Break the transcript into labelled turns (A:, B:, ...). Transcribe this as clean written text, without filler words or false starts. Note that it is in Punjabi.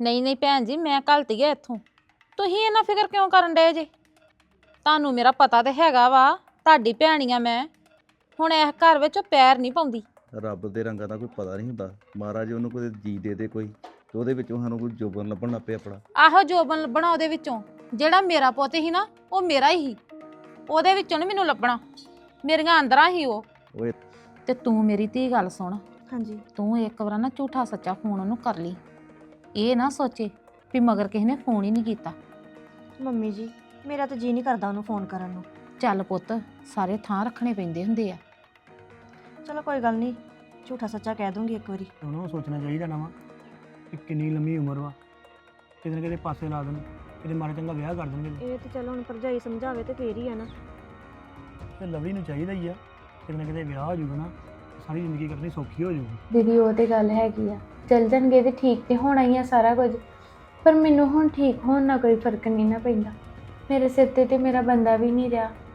A: ਨਹੀਂ ਨਹੀਂ ਭੈਣ ਜੀ, ਮੈਂ ਘਲਤੀ ਆ ਇੱਥੋਂ। ਤੁਸੀਂ ਇੰਨਾ ਫਿਕਰ ਕਿਉਂ ਕਰਨ ਡਏ ਜੇ? ਤੁਹਾਨੂੰ ਮੇਰਾ ਪਤਾ ਤੇ ਹੈਗਾ ਵਾ, ਤੁਹਾਡੀ ਭੈਣ ਆ ਮੈਂ। ਹੁਣ ਇਸ ਘਰ ਵਿੱਚ ਪੈਰ ਨਹੀਂ ਪਾਉਂਦੀ।
B: ਰੱਬ ਦੇ ਰੰਗਾਂ ਦਾ ਕੋਈ ਪਤਾ ਨਹੀਂ ਹੁੰਦਾ। ਮਹਾਰਾਜ ਉਹਨੂੰ ਕੋਈ ਜੀ ਦੇ ਦੇ ਕੋਈ, ਤੇ ਉਹਦੇ ਵਿੱਚੋਂ ਸਾਨੂੰ ਕੋਈ ਜੋਬਨ ਲੱਭਣ ਲੱਗ ਪਿਆ ਆਪਣਾ।
A: ਆਹੋ ਜੋਬਨ ਲੱਭਣਾ ਉਹਦੇ ਵਿੱਚੋਂ। ਜਿਹੜਾ ਮੇਰਾ ਪੁੱਤ ਸੀ ਨਾ, ਉਹ ਮੇਰਾ ਹੀ ਸੀ। ਉਹਦੇ ਵਿੱਚੋਂ ਨੀ ਮੈਨੂੰ ਲੱਭਣਾ, ਮੇਰੀਆਂ ਅੰਦਰਾਂ ਹੀ ਉਹ।
B: ਓਏ
A: ਤੇ ਤੂੰ ਮੇਰੀ ਧੀ ਗੱਲ ਸੁਣ।
C: ਹਾਂਜੀ
A: ਤੂੰ ਇੱਕ ਵਾਰ ਨਾ ਝੂਠਾ ਸੱਚਾ ਫੋਨ ਉਹਨੂੰ ਕਰ ਲਈ। ਇਹ ਨਾ ਸੋਚੇ ਵੀ ਮਗਰ ਕਿਸੇ ਨੇ ਫੋਨ ਹੀ ਨਹੀਂ ਕੀਤਾ।
C: ਮੰਮੀ ਜੀ, ਮੇਰਾ ਤਾਂ ਜੀ ਨਹੀਂ ਕਰਦਾ ਉਹਨੂੰ ਫੋਨ ਕਰਨ ਨੂੰ।
A: ਚੱਲ ਪੁੱਤ, ਸਾਰੇ ਥਾਂ ਰੱਖਣੇ ਪੈਂਦੇ ਹੁੰਦੇ ਆ।
C: ਚਲੋ ਕੋਈ ਗੱਲ ਨਹੀਂ, ਝੂਠਾ ਸੱਚਾ ਕਹਿ ਦੂੰਗੀ ਇੱਕ ਵਾਰੀ।
D: ਉਹਨੂੰ ਸੋਚਣਾ ਚਾਹੀਦਾ ਨਾ ਵਾ ਕਿ ਕਿੰਨੀ ਲੰਮੀ ਉਮਰ ਵਾ, ਕਿਤੇ ਨਾ ਕਿਤੇ ਪਾਸੇ ਲਾ ਦੇਣ, ਕਿਤੇ ਮਾੜਾ ਚੰਗਾ ਵਿਆਹ ਕਰ ਦੇਣਗੇ।
C: ਇਹ ਤੇ ਚਲੋ ਹੁਣ ਭਰਜਾਈ ਸਮਝਾਵੇ ਤੇ ਫੇਰ ਹੀ ਆ ਨਾ।
D: ਤੇ ਲਵਲੀ ਨੂੰ ਚਾਹੀਦਾ ਹੀ ਆ, ਕਿਤੇ ਨਾ ਕਿਤੇ ਵਿਆਹ ਹੋ ਜਾਊਗਾ ਨਾ, ਸਾਰੀ ਜ਼ਿੰਦਗੀ ਕੱਟਣੀ ਸੌਖੀ ਹੋ ਜਾਊਗੀ।
E: ਦੀਦੀ ਉਹ ਤੇ ਗੱਲ ਹੈਗੀ ਆ, ਚੱਲ ਜਾਣਗੇ ਤੇ ਠੀਕ ਤੇ ਹੋਣਾ ਹੀ ਆ ਸਾਰਾ ਕੁਝ। ਪਰ ਮੈਨੂੰ ਹੁਣ ਠੀਕ ਹੋਣ ਨਾਲ ਕੋਈ ਫਰਕ ਨਹੀਂ ਨਾ ਪੈਂਦਾ। ਮੇਰੇ ਸਿਰ ਤੇ ਮੇਰਾ ਬੰਦਾ ਵੀ ਨਹੀਂ ਰਿਹਾ।